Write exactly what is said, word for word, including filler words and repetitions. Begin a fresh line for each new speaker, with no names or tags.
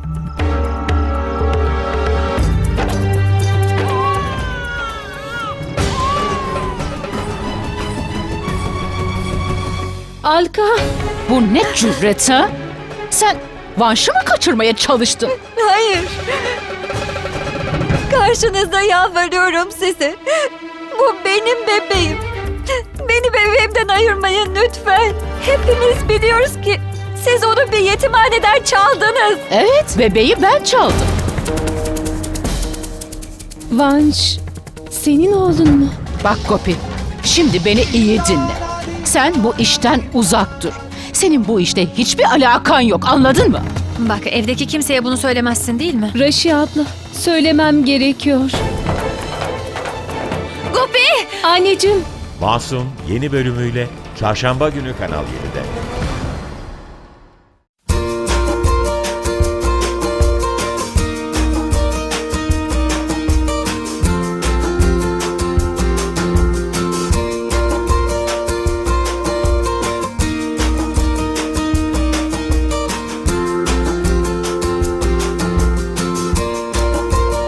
Alka!
Bu ne cüret ha? Sen Vanş'ı mı kaçırmaya çalıştın?
Hayır. Karşınızda yalvarıyorum size. Bu benim bebeğim. Beni bebeğimden ayırmayın lütfen. Hepimiz biliyoruz ki siz onu bir yetimhaneden çaldınız.
Evet, bebeği ben çaldım.
Vanş, senin oğlun mu?
Bak Gopi, şimdi beni iyi dinle. Sen bu işten uzak dur. Senin bu işte hiçbir alakan yok, anladın mı?
Bak, evdeki kimseye bunu söylemezsin değil mi?
Raşi abla, söylemem gerekiyor.
Gopi!
Anneciğim,
Masum yeni bölümüyle Çarşamba günü Kanal yedide.